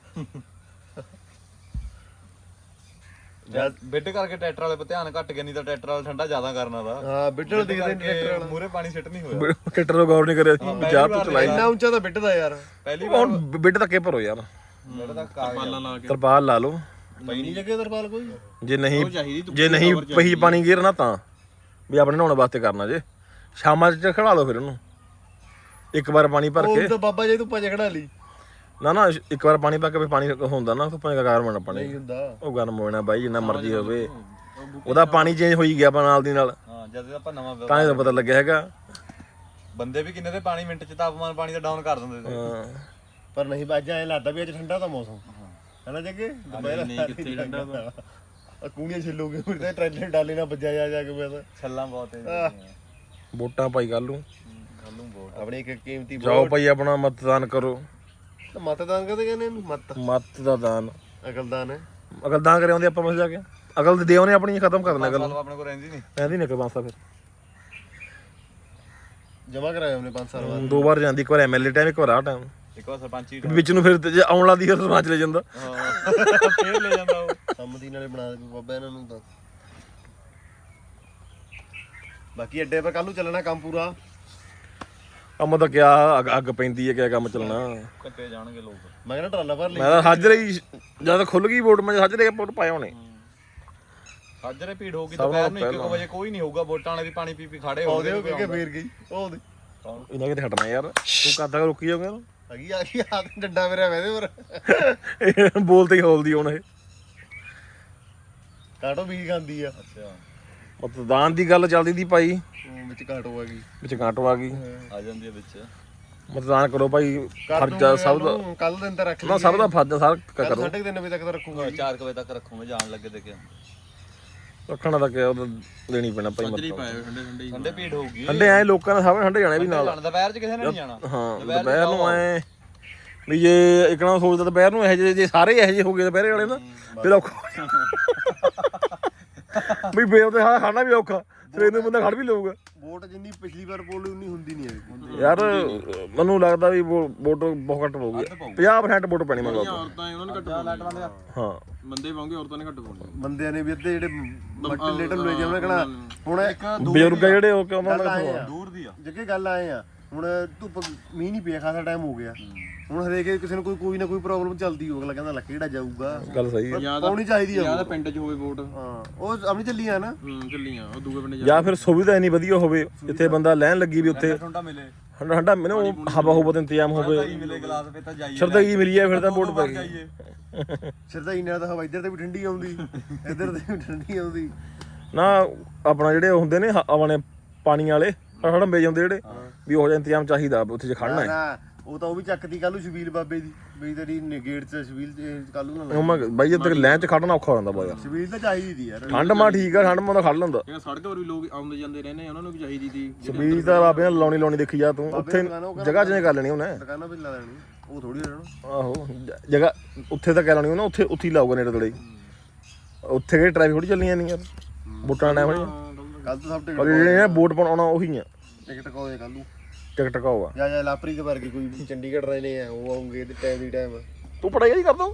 [SPEAKER 3] ਬਿੱਡ ਕਰਕੇ ਟਰੈਕਟਰ ਵਾਲੇ 'ਤੇ ਧਿਆਨ ਘੱਟ ਗਿਆ ਨਹੀਂ ਤਾਂ ਟਰੈਕਟਰ ਵਾਲਾ ਠੰਡਾ ਜ਼ਿਆਦਾ ਕਰਨਾ ਦਾ
[SPEAKER 1] ਹਾਂ ਬਿੱਟਲ ਦਿਖਦੇ ਨੇ ਟਰੈਕਟਰ ਵਾਲਾ
[SPEAKER 3] ਮੂਰੇ ਪਾਣੀ ਸਿੱਟ ਨਹੀਂ ਹੋਇਆ
[SPEAKER 2] ਟਰੈਕਟਰ ਨੂੰ ਗੌਰ ਨਹੀਂ ਕਰਿਆ ਸੀ ਚਾਹ ਤੋਂ ਚਲਾਈ
[SPEAKER 1] ਇੰਨਾ ਉੱਚਾ ਤਾਂ ਬਿੱਟ ਦਾ ਯਾਰ
[SPEAKER 3] ਪਹਿਲੀ ਵਾਰ
[SPEAKER 2] ਹੁਣ ਬਿੱਡ ਧੱਕੇ ਭਰੋ ਯਾਰ
[SPEAKER 3] ਜਿਹੜਾ ਦਾ ਕਾਗਜ਼
[SPEAKER 2] ਤਰਪਾਲ ਲਾ ਲਓ
[SPEAKER 1] ਪਈ ਨਹੀਂ ਜੱਗੇ ਤਰਪਾਲ ਕੋਈ
[SPEAKER 2] ਜੇ ਨਹੀਂ ਜੇ ਨਹੀਂ ਪਹੀ ਪਾਣੀ ਗਿਰਨਾ ਤਾਂ ਵੀ ਆਪਣੇ ਨਹਾਉਣ ਵਾਸਤੇ ਕਰਨਾ ਜੇ ਸ਼ਾਮਾਂ ਚ ਖੜਾ ਲਓ ਫਿਰ ਉਹਨੂੰ ਇੱਕ ਵਾਰ ਪਾਣੀ ਭਰ ਕੇ
[SPEAKER 1] ਉਹ ਤਾਂ ਬਾਬਾ ਜੀ ਤੂੰ ਭੱਜ ਖੜਾ ਲਈ
[SPEAKER 2] ਨਾ ਨਾ ਇੱਕ ਵਾਰ ਪਾਣੀ ਪਾ ਕੇ ਵੀ ਪਾਣੀ ਹੁੰਦਾ ਨਾ ਧੁੱਪਾਂ ਦਾ ਗਰਮ ਹੋਣਾ ਪਾਣੀ
[SPEAKER 1] ਨਹੀਂ ਹੁੰਦਾ
[SPEAKER 2] ਉਹ ਗਰਮ ਹੋਣਾ ਬਾਈ ਜਿੰਨਾ ਮਰਜ਼ੀ ਹੋਵੇ ਉਹਦਾ ਪਾਣੀ ਚੇਂਜ ਹੋਈ ਗਿਆ ਆਪਾਂ ਨਾਲ ਦੀ ਨਾਲ
[SPEAKER 3] ਹਾਂ ਜਦ ਆਪਾਂ ਨਵਾਂ
[SPEAKER 2] ਤਾਂ ਹੀ ਤਾਂ ਪਤਾ ਲੱਗਿਆ ਹੈਗਾ
[SPEAKER 3] ਬੰਦੇ ਵੀ ਕਿੰਨੇ ਦੇ ਪਾਣੀ ਮਿੰਟ ਚ ਤਾਪਮਾਨ ਪਾਣੀ ਦਾ ਡਾਊਨ ਕਰ ਦਿੰਦੇ ਸੀ
[SPEAKER 2] ਹਾਂ
[SPEAKER 1] ਪਰ ਨਹੀਂ ਬਾਜਾ ਐ ਲੱਗਦਾ ਵੀ ਅੱਜ ਠੰਡਾ ਤਾਂ ਮੌਸਮ ਹੈਨਾ ਜੱਗੇ ਦੁਪਹਿਰ
[SPEAKER 3] ਨਹੀਂ ਕਿੱਥੇ ਠੰਡਾ ਵਾ।
[SPEAKER 1] ਆ ਕੂਣੀਆਂ ਛਿੱਲੋਗੇ ਫਿਰ ਤਾਂ ਟਰੈਕਟਰ ਡਾਲੇ ਨਾਲ ਵੱਜਿਆ ਜਾ ਜਾ ਕੇ ਮੈਂ ਤਾਂ
[SPEAKER 3] ਛੱਲਾਂ ਬਹੁਤ ਤੇਜ਼
[SPEAKER 2] ਵੋਟਾਂ ਪਾਈ ਕੱਲ ਨੂੰ
[SPEAKER 3] ਕੱਲੂ ਬਹੁਤ
[SPEAKER 1] ਆਪਣੀ ਇੱਕ ਕੀਮਤੀ
[SPEAKER 2] ਜਾਓ ਭਾਈ ਆਪਣਾ ਮਤਦਾਨ ਕਰੋ
[SPEAKER 1] ਮਤਦਾਨ ਕਦੇ ਕਹਿੰਦੇ ਇਹਨੂੰ ਮਤ
[SPEAKER 2] ਮਤ ਦਾ ਦਾਨ
[SPEAKER 1] ਅਕਲਦਾਨ ਹੈ
[SPEAKER 2] ਅਕਲ ਦਾਨ ਕਰੇ ਆਉਂਦੇ ਆਪਾਂ ਮਸ ਜਾ ਕੇ ਅਕਲ ਦੇ ਦਿਓ ਨੇ ਆਪਣੀ ਖਤਮ ਕਰ ਦੇਣਾ ਗੱਲ
[SPEAKER 3] ਸਾਲ ਆਪਣੇ ਕੋਲ ਰਹਿੰਦੀ ਨਹੀਂ
[SPEAKER 2] ਕਹਿੰਦੀ ਨਿਕਲ ਬਾਂਸਾ ਫਿਰ
[SPEAKER 1] ਜਮਾ ਕਰਾਇਆ ਉਹਨੇ ਪੰਜ ਸਾਲ ਬਾਅਦ
[SPEAKER 2] ਦੋ ਵਾਰ ਜਾਂਦੀ ਇੱਕ ਵਾਰ ਐਮਐਲਏ ਟਾਈਮ ਇੱਕ ਵਾਰ ਆ ਟਾਈਮ
[SPEAKER 3] ਇੱਕ ਵਾਰ ਸਰਪੰਚੀ
[SPEAKER 2] ਵਿੱਚ ਨੂੰ ਫਿਰ ਤੇ ਜੇ ਆਉਣ ਲਾਦੀ ਫਿਰ ਸਰਪੰਚ ਲੈ ਜਾਂਦਾ
[SPEAKER 3] ਹਾਂ ਫੇਰ ਲੈ ਜਾਂਦਾ ਉਹ
[SPEAKER 1] ਸੰਮਤੀ ਨਾਲੇ ਬਣਾ ਦੇ ਬਾਬਾ ਇਹਨਾਂ ਨੂੰ ਤਾਂ ਬਾਕੀ ਅੱਡੇ 'ਤੇ ਕੱਲ ਨੂੰ ਚੱਲਣਾ ਕੰਮ ਪੂਰਾ
[SPEAKER 2] ਕੰਮ ਤਾਂ ਕਿਆ ਅੱਗ ਅੱਗ ਪੈਂਦੀ ਹੈ ਕਿਆ ਕੰਮ ਚੱਲਣਾ
[SPEAKER 3] ਕੱਟੇ ਜਾਣਗੇ ਲੋਕ
[SPEAKER 1] ਮੈਂ ਕਹਿੰਦਾ ਟਰਾਲਾ ਭਰ ਲਈ
[SPEAKER 2] ਮੈਂ ਤਾਂ ਹਾਜ਼ਰ ਹੀ ਜਦ ਖੁੱਲ ਗਈ ਵੋਟ ਮੈਂ ਹਾਜ਼ਰ ਹੀ ਵੋਟ ਪਾਏ ਹੋਣੇ
[SPEAKER 3] ਸਾਜਰੇ ਭੀੜ ਹੋਊਗੀ ਦੁਪਹਿਰ ਨੂੰ ਇੱਕ ਵਜੇ ਕੋਈ ਨਹੀਂ ਹੋਊਗਾ ਵੋਟਾਂ ਵਾਲੇ ਵੀ ਪਾਣੀ ਪੀ ਪੀ ਖੜੇ
[SPEAKER 1] ਉਹਦੇ
[SPEAKER 3] ਹੋਣਗੇ
[SPEAKER 1] ਉਹ ਕਿਹਕੇ ਫੇਰ ਗਈ ਉਹ ਉਹਦੇ
[SPEAKER 2] ਇਹਨਾਂ ਕਿਤੇ ਹਟਣਾ ਯਾਰ ਤੂੰ ਕਦ ਤੱਕ ਰੁਕੀ ਜਾਊਗਾ
[SPEAKER 1] ਅਗੀ ਆ ਗਈ ਆ ਡੰਡਾ ਮੇਰਾ ਵੈਦੇ ਪਰ
[SPEAKER 2] ਬੋਲਦੇ ਹੀ ਹੌਲਦੀ ਹੁਣ ਇਹ
[SPEAKER 1] ਕਾਟੋ ਵੀ ਖਾਂਦੀ ਆ
[SPEAKER 3] ਅੱਛਾ
[SPEAKER 2] ਮਤਦਾਨ ਦੀ ਗੱਲ ਚੱਲਦੀ ਦੀ ਭਾਈ
[SPEAKER 1] ਉਹ ਵਿੱਚ ਕਾਟੋ ਆ ਗਈ
[SPEAKER 2] ਵਿੱਚ ਕਾਂਟੋ ਆ ਗਈ
[SPEAKER 3] ਆ ਜਾਂਦੀ ਹੈ ਵਿੱਚ
[SPEAKER 2] ਮਤਦਾਨ ਕਰੋ ਭਾਈ ਫਰਜ਼ਾ ਸਭ ਦਾ
[SPEAKER 1] ਕੱਲ ਦਿਨ ਤਾਂ ਰੱਖ ਲਈ
[SPEAKER 2] ਨਾ ਸਭ ਦਾ ਫਰਜ਼ਾ ਸਾਰਾ
[SPEAKER 1] ਕੱਲ
[SPEAKER 2] ਕਰੋ
[SPEAKER 1] ਸਾਢੇ ਤਿੰਨ ਵਜੇ ਤੱਕ ਤਾਂ ਰੱਖੂਗਾ
[SPEAKER 3] ਚਾਰ ਵਜੇ ਤੱਕ ਰੱਖੂਗੇ ਜਾਣ ਲੱਗੇ ਤੇ ਕਿਆ
[SPEAKER 2] ਰੱਖਣਾ ਤਾਂ ਕਿਆ ਉਹਦਾ ਦੇਣੀ ਪੈਣਾ ਭਾਈ ਮਤ
[SPEAKER 4] ਠੰਡੇ ਠੰਡੇ
[SPEAKER 3] ਠੰਡੇ ਭੀੜ ਹੋਊਗੀ
[SPEAKER 2] ਠੰਡੇ ਐ ਲੋਕਾਂ ਨੇ ਸਭ ਨੇ ਠੰਡੇ ਜਾਣੇ ਵੀ ਨਾਲ
[SPEAKER 3] ਜਾਣ ਦੁਪਹਿਰ ਚ ਕਿਸੇ ਨੇ ਨਹੀਂ ਜਾਣਾ
[SPEAKER 2] ਹਾਂ ਦੁਪਹਿਰ ਨੂੰ ਐ ਵੀ ਜੇ ਇੱਕ ਨਾ ਸੋਚਦਾ ਦੁਪਹਿਰ ਨੂੰ ਇਹ ਜੇ ਜੇ ਸਾਰੇ ਇਹੋ ਜਿਹੇ ਹੋ ਗਏ ਦੁਪਹਿਰੇ ਵਾਲੇ ਨਾ ਫਿਰ ਔਖਾ ਵੀ ਬੇਲ ਤੇ ਹਾਂ ਖਾਣਾ ਵੀ ਔਖਾ ਸਵੇਰ ਨੂੰ ਬੰਦਾ ਖੜ ਵੀ ਲਊਗਾ
[SPEAKER 1] ਵੋਟ ਜਿੰਨੀ ਪਿਛਲੀ ਵਾਰ ਪੋਲ ਉਨੀ ਹੁੰਦੀ ਨਹੀਂ ਹੈ
[SPEAKER 2] ਯਾਰ ਮੈਨੂੰ ਲੱਗਦਾ ਵੀ ਵੋ- ਵੋਟ ਬਹੁਤ ਘੱਟ ਪਊਗੀ ਪੰਜਾਹ ਪ੍ਰਸੈਂਟ ਵੋਟ ਪੈਣੀ ਮੈਨੂੰ ਲੱਗਦਾ
[SPEAKER 4] ਔਰਤਾਂ ਉਹਨਾਂ ਨੇ ਘੱਟ ਪਾਉਣੀ
[SPEAKER 2] ਹਾਂ
[SPEAKER 4] ਬੰਦੇ ਪਾਉਂਗੇ ਔਰਤਾਂ ਨੇ ਘੱਟ ਪਾਉਣੀ
[SPEAKER 1] ਬੰਦਿਆਂ ਨੇ ਵੀ ਅੱਧੇ ਜਿਹੜੇ ਮੱਟੇ ਲੇਟਲ ਲੈ ਜਾਵਣੇ ਕਹਣਾ ਹੁਣ
[SPEAKER 2] ਬਜ਼ੁਰਗ ਆ ਜਿਹੜੇ ਉਹ ਕਿਉਂ ਉਹਨਾਂ
[SPEAKER 1] ਗੱਲ
[SPEAKER 2] ਦਾ
[SPEAKER 1] ਆਏ ਆ
[SPEAKER 3] ਦੂਰ ਦੀ ਆ
[SPEAKER 1] ਜੱਗੇ ਗੱਲ ਆਏ ਆ ਹੁਣ ਧੁੱਪ ਮੀਂਹ ਨਹੀਂ ਪਿਆ ਖਾਸਾ ਟਾਈਮ ਹੋ ਗਿਆ ਹੁਣ ਹਰੇਕ ਕਿਸੇ ਨੂੰ ਕੋਈ ਕੋਈ ਨਾ ਕੋਈ ਪ੍ਰੋਬਲਮ ਚੱਲਦੀ ਹੋ ਅਗਲਾ ਕਹਿੰਦਾ ਲੈ ਕਿਹੜਾ ਜਾਊਗਾ
[SPEAKER 2] ਗੱਲ ਸਹੀ ਹੈ
[SPEAKER 1] ਪਾਉਣੀ ਚਾਹੀਦੀ ਆ
[SPEAKER 4] ਜਿਆਦਾ ਪਿੰਡ 'ਚ ਹੋਵੇ ਵੋਟ
[SPEAKER 1] ਹਾਂ ਉਹ ਆਪਣੀ ਚੱਲੀ ਆ ਨਾ
[SPEAKER 4] ਹੂੰ ਚੱਲੀਆਂ ਉਹ ਦੂਏ ਪਿੰਡ
[SPEAKER 2] ਜਾਂ ਫਿਰ ਸੁਵਿਧਾ ਇੰਨੀ ਵਧੀਆ ਹੋਵੇ ਜਿੱਥੇ ਬੰਦਾ ਲੈਣ ਲੱਗੀ ਵੀ ਉੱਥੇ
[SPEAKER 3] ਠੰਡਾ ਮਿਲੇ
[SPEAKER 2] ਠੰਡਾ ਠੰਡਾ ਮੈਨੂੰ ਉਹ ਹਵਾ ਹੁਵਾ ਦਾ ਇੰਤਜ਼ਾਮ ਹੋਵੇ
[SPEAKER 3] ਮਿਲੇ ਗਲਾਸ ਪੇ ਤਾਂ ਜਾਈਏ
[SPEAKER 2] ਸ਼ਰਦਾਈ ਮਿਲੀ ਹੈ ਫਿਰ ਤਾਂ ਵੋਟ ਪੈ ਗਈ
[SPEAKER 1] ਸਿਰਦਾਈ ਨਾਲ ਤਾਂ ਹਵਾ ਇੱਧਰ ਤੇ ਵੀ ਠੰਡੀ ਆਉਂਦੀ ਇੱਧਰ ਤੇ ਵੀ ਠੰਡੀ ਆਉਂਦੀ
[SPEAKER 2] ਨਾ ਆਪਣਾ ਜਿਹੜੇ ਹੁੰਦੇ ਨੇ ਹ- ਆਪਣੇ ਪਾਣੀ ਵਾਲੇ ਹੜੰਬੇ ਜਾਂਦੇ ਜਿਹੜੇ ਵੀ ਉਹ ਜਿਹਾ ਇੰਤਜ਼ਾਮ ਚਾਹੀਦਾ ਉੱਥੇ ਜੇ ਖੜਨਾ ਹੈ
[SPEAKER 1] ਨਾ ਉਹ ਤਾਂ ਉਹ ਵੀ ਚੱਕਦੀ ਕੱਲ ਨੂੰ ਸ਼ਬੀਲ ਬਾਬੇ ਦੀ ਬਈ ਤੇਰੀ ਗੇਟ 'ਚ ਸ਼ਬੀਲ ਕੱਲ ਨੂੰ ਨਾ
[SPEAKER 2] ਉਹ ਮੈਂ ਬਾਈ ਜਦ ਤੱਕ ਲੈਣ ਚ ਖੜਨਾ ਔਖਾ ਹੋ ਜਾਂਦਾ ਬਾਈ ਯਾਰ
[SPEAKER 1] ਸ਼ਬੀਲ ਤਾਂ ਚਾਹੀਦੀ ਦੀ ਯਾਰ
[SPEAKER 2] ਠੰਡ ਮਾ ਠੀਕ ਆ ਠੰਡ ਮਾ ਤਾਂ ਖੜ ਲੈਂਦਾ
[SPEAKER 4] ਇਹ ਸੜਕ ਪਰ ਵੀ ਲੋਕ ਆਉਂਦੇ ਜਾਂਦੇ ਰਹਿੰਦੇ ਉਹਨਾਂ ਨੂੰ ਵੀ ਚਾਹੀਦੀ ਸੀ
[SPEAKER 2] ਸਪੀਡ ਤਾਂ ਬਾਬੇ ਨੇ ਲਾਉਣੀ ਲਾਉਣੀ ਦੇਖੀ ਜਾ ਤੂੰ ਉੱਥੇ ਜਗ੍ਹਾ ਚੇਂਜ ਕਰ ਲੈਣੀ ਉਹਨੇ
[SPEAKER 1] ਦੁਕਾਨਾਂ ਵੀ ਲਾ ਦੇਣੀ ਉਹ ਥੋੜੀ ਰਹਿਣਾ
[SPEAKER 2] ਆਹੋ ਜ- ਜਗ੍ਹਾ ਉੱਥੇ ਤਾਂ ਕਹਿ ਲੈਣੀ ਉਹਨੇ ਉੱਥੇ ਉੱਥੇ ਹੀ ਲਾਊਗਾ ਨੇੜੇ ਤੇੜੇ ਉੱਥੇ ਕਿਹੜੀ ਟ੍ਰੈਫਿਕ ਥੋੜੀ ਚੱਲਣੀ ਨਹੀਂ ਯਾਰ ਵੋਟਾਂ ਦਾ ਟਾਈਮ
[SPEAKER 1] ਕੱਲ ਤੋਂ ਸਭ ਟਿਕਟ
[SPEAKER 2] ਪਰ ਜਿਹੜੇ ਵੋਟ ਪਾਉਣਾ ਉਹੀ ਆ
[SPEAKER 1] ਟਿਕਟ ਕੋਏ ਕੱਲ ਨੂੰ
[SPEAKER 2] ਟਿਕਟ ਕਾਉਗਾ
[SPEAKER 1] ਜਾਂ ਜਾਂ ਲਾਪਰੀ ਦੇ ਵਰਗੇ ਕੋਈ ਵੀ ਚੰਡੀਗੜ੍ਹ ਰਹਿਣੇ ਆ ਉਹ ਆਉਂਗੇ ਤੇ ਟਾਈਮ ਦੀ ਟਾਈਮ
[SPEAKER 2] ਤੂੰ ਪੜਾਈ ਹੀ ਕਰਦਾ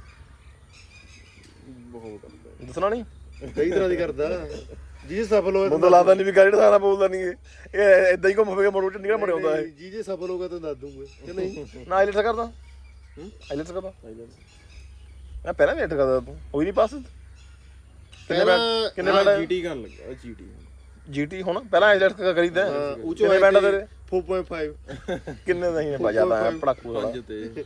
[SPEAKER 1] ਬਹੁਤ
[SPEAKER 2] ਦੱਸਣਾ ਨਹੀਂ
[SPEAKER 1] ਕਈ ਤਰ੍ਹਾਂ ਦੀ ਕਰਦਾ ਜੀ ਸਫਲ ਹੋਇਆ
[SPEAKER 2] ਬੰਦਾ ਲੱਗਦਾ ਨਹੀਂ ਵੀ ਗਾੜੀ ਦਾ ਬੋਲਦਾ ਨਹੀਂ ਇਹ ਇਹ ਇਦਾਂ ਹੀ ਘੁੰਮ ਫੇਰ ਕੇ ਮੋੜ ਚੰਡੀਗੜ੍ਹ ਮੁੜ ਆਉਂਦਾ ਇਹ
[SPEAKER 1] ਜੀ ਜੇ ਸਫਲ ਹੋਗਾ ਤਾਂ ਦੱਸ ਦੂੰਗਾ ਕਿ ਨਹੀਂ
[SPEAKER 2] ਨਾ ਆਈਲੈਟਸ ਕਰਦਾ ਆਈਲੈਟਸ ਕਰਦਾ ਮੈਂ ਪਹਿਲਾਂ ਵੇਟ ਕਰਦਾ ਤੂੰ ਹੋਈ ਨਹੀਂ ਪਾਸ
[SPEAKER 1] ਪਹਿਲਾਂ
[SPEAKER 2] ਕਿੰਨੇ ਬੈਂਡ
[SPEAKER 4] ਜੀਟੀ ਕਰਨ ਲੱਗਾ ਜੀਟੀ
[SPEAKER 2] ਜੀਟੀ ਹੁਣ ਪਹਿਲਾਂ ਆਈਲੈਟਸ ਕਰੀਦਾ
[SPEAKER 1] ਉੱਚੋ
[SPEAKER 2] ਕਿੰਨੇ ਬੈਂਡ ਤੇਰੇ
[SPEAKER 1] ਚਾਰ ਪੁਆਇੰਟ ਪੰਜ
[SPEAKER 2] ਕਿੰਨੇ ਦਾ ਹੀ ਬਜਾਦਾ ਪੜਾਕੂ ਵਾਲਾ
[SPEAKER 4] ਪੰਜ ਤੇ